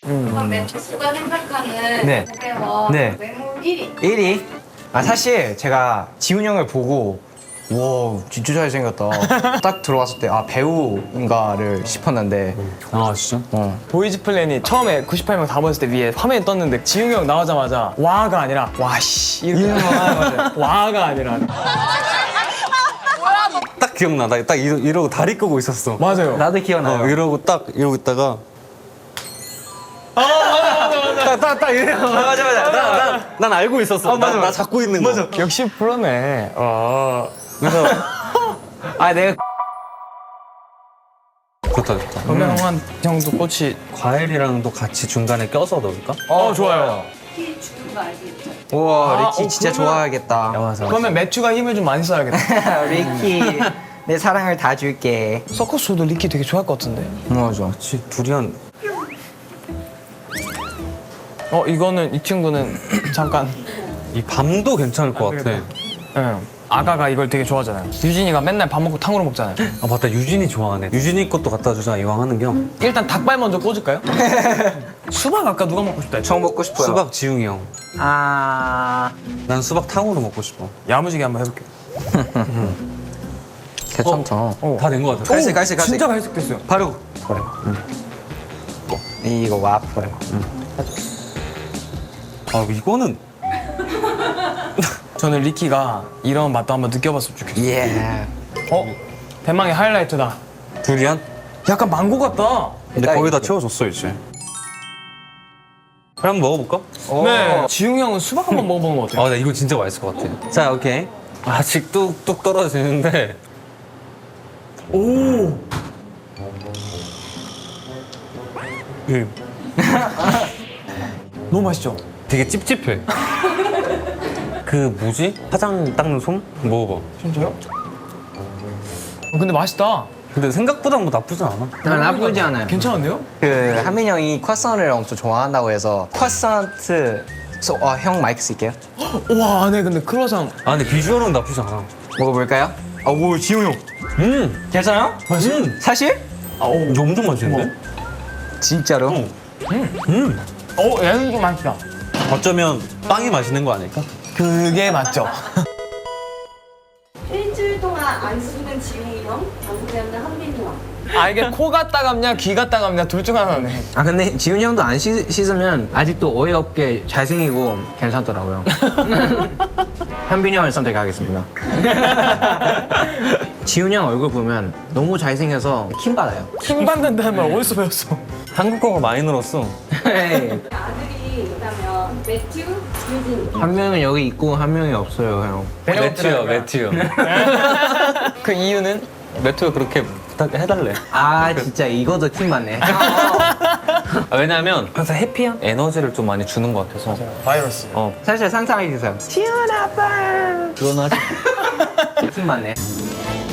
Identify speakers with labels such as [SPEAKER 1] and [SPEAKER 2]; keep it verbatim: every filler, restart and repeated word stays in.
[SPEAKER 1] 그럼 매추가 생각하는
[SPEAKER 2] 네.
[SPEAKER 1] 고대원
[SPEAKER 2] 네.
[SPEAKER 1] 외모 일 위.
[SPEAKER 2] 일 위? 아 사실 제가 지훈 형을 보고 와 진짜 잘생겼다 딱 들어왔을 때 아 배우인가를 싶었는데
[SPEAKER 3] 아 진짜?
[SPEAKER 2] 어.
[SPEAKER 4] 보이즈 플랜이 처음에 구십팔 명 다 모였을 때 위에 화면이 떴는데 지웅이 형 나오자마자 와가 아니라 와씨 이렇게 와가 아니라
[SPEAKER 3] 딱 기억나. 나 딱 이러고 다리 끄고 있었어.
[SPEAKER 4] 맞아요.
[SPEAKER 2] 나도 기억나요.
[SPEAKER 3] 어, 이러고 딱 이러고 있다가
[SPEAKER 2] 딱딱 이래. 맞아 맞아.
[SPEAKER 3] 난, 난 알고 있었어.
[SPEAKER 4] 맞아,
[SPEAKER 3] 나, 나
[SPEAKER 4] 맞아.
[SPEAKER 3] 잡고 있는 거.
[SPEAKER 4] 역시 프로네. 어.
[SPEAKER 3] 그래서
[SPEAKER 2] 아 내가
[SPEAKER 3] 좋다 좋다.
[SPEAKER 4] 그러면 한 정도 꽃이
[SPEAKER 3] 과일이랑도 같이 중간에 껴서 넣을까?
[SPEAKER 4] 어 좋아요.
[SPEAKER 1] 키 주는 거 알겠죠?
[SPEAKER 2] 우와
[SPEAKER 4] 아,
[SPEAKER 2] 리키
[SPEAKER 4] 어,
[SPEAKER 2] 진짜
[SPEAKER 4] 그러면-
[SPEAKER 2] 좋아하겠다.
[SPEAKER 3] 맞아.
[SPEAKER 4] 그러면 매추가 힘을 좀 많이 써야겠다.
[SPEAKER 2] 리키 내 사랑을 다 줄게.
[SPEAKER 4] 서커스도 리키 되게 좋아할 것 같은데.
[SPEAKER 2] 맞아.
[SPEAKER 3] 그치, 둘이 한
[SPEAKER 4] 어 이거는 이 친구는 잠깐.
[SPEAKER 3] 이 밤도 괜찮을 것 같아.
[SPEAKER 4] 응. 아가가 이걸 되게 좋아하잖아요. 유진이가 맨날 밥 먹고 탕후루 먹잖아요.
[SPEAKER 3] 아 맞다, 유진이 좋아하네. 유진이 것도 갖다 주자, 이왕 하는 겸.
[SPEAKER 4] 일단 닭발 먼저 꽂을까요? 수박 아까 누가 먹고 싶다 했죠?
[SPEAKER 2] 저 먹고 싶어요.
[SPEAKER 3] 수박 지웅이 형.
[SPEAKER 2] 아
[SPEAKER 3] 난 수박 탕후루 먹고 싶어.
[SPEAKER 4] 야무지게 한번 해볼게요.
[SPEAKER 2] 괜찮다.
[SPEAKER 4] 어.
[SPEAKER 3] 다 된 것 같아.
[SPEAKER 2] 갈색 갈색 갈색.
[SPEAKER 4] 진짜 갈색됐어요.
[SPEAKER 2] 바로. 그래. 이거 와플.
[SPEAKER 3] 아 이거는
[SPEAKER 4] 저는 리키가 이런 맛도 한번 느껴봤으면 좋겠어요.
[SPEAKER 2] 예.
[SPEAKER 4] 어? 대망의 하이라이트다.
[SPEAKER 3] 두리안?
[SPEAKER 4] 약간 망고 같다.
[SPEAKER 3] 근데
[SPEAKER 2] 딱
[SPEAKER 3] 거의 다
[SPEAKER 2] 이렇게.
[SPEAKER 3] 채워줬어 이제. 그럼 한번 먹어볼까?
[SPEAKER 4] 네. 지웅이 형은 수박 한번 먹어보는 거 어때요?
[SPEAKER 3] 아, 나 이거 진짜 맛있을 것 같아. 자, 오케이. 아직 뚝뚝 떨어지는데.
[SPEAKER 4] 오.
[SPEAKER 3] 그
[SPEAKER 4] 너무 맛있죠?
[SPEAKER 3] 되게 찝찝해. 그 뭐지? 화장 닦는 솜? 먹어봐.
[SPEAKER 4] 진짜요? 어, 근데 맛있다.
[SPEAKER 3] 근데 생각보다 뭐 나쁘진 않아.
[SPEAKER 2] 아, 나쁘지 않아요.
[SPEAKER 4] 괜찮은데요?
[SPEAKER 2] 그 한민 형이 croissant을 엄청 좋아한다고 해서 croissant. 소, 어, 형 마이크 쓸게요.
[SPEAKER 4] 와 안에 근데 크로상
[SPEAKER 3] 아, 근데 비주얼은 나쁘지 않아.
[SPEAKER 2] 먹어볼까요? 아, 오 지훈 형.
[SPEAKER 3] 음!
[SPEAKER 2] 괜찮아요?
[SPEAKER 3] 음!
[SPEAKER 2] 사실?
[SPEAKER 4] 아, 오.
[SPEAKER 3] 이거 엄청 맛있는데?
[SPEAKER 2] 진짜로?
[SPEAKER 3] 어. 음!
[SPEAKER 4] 어 얘는 좀 맛있다.
[SPEAKER 3] 어쩌면 빵이 맛있는 거 아닐까?
[SPEAKER 4] 그게 맞죠?
[SPEAKER 1] 일주일 동안 안 씻는 지웅이 형, 방송에 없는 한민이 형.
[SPEAKER 4] 아 이게 코가 따갑냐 귀가 따갑냐 둘 중 하나네.
[SPEAKER 2] 아 근데 지훈 형도 안 씻, 씻으면 아직도 어이없게 잘생기고 괜찮더라고요. 현빈이 형을 선택하겠습니다. 지훈 형 얼굴 보면 너무 잘생겨서 킴 받아요.
[SPEAKER 4] 킹 받는다는 말 어디서 배웠어?
[SPEAKER 3] 한국어가 많이 늘었어.
[SPEAKER 1] 아들이 있다면 매튜, 유진.
[SPEAKER 2] 한 명은 여기 있고 한 명이 없어요, 형.
[SPEAKER 3] 매튜요, 매튜요.
[SPEAKER 4] 그 이유는?
[SPEAKER 3] 매튜가 그렇게 부탁해달래.
[SPEAKER 2] 아 진짜 이거도 킴 받네.
[SPEAKER 3] 아, 왜냐면 항상 해피한 에너지를 좀 많이 주는 것 같아서.
[SPEAKER 4] 바이러스.
[SPEAKER 3] 어.
[SPEAKER 2] 사실 상상해 주세요. 지훈 아빠.
[SPEAKER 3] 그건 하지.
[SPEAKER 2] 킴 받네.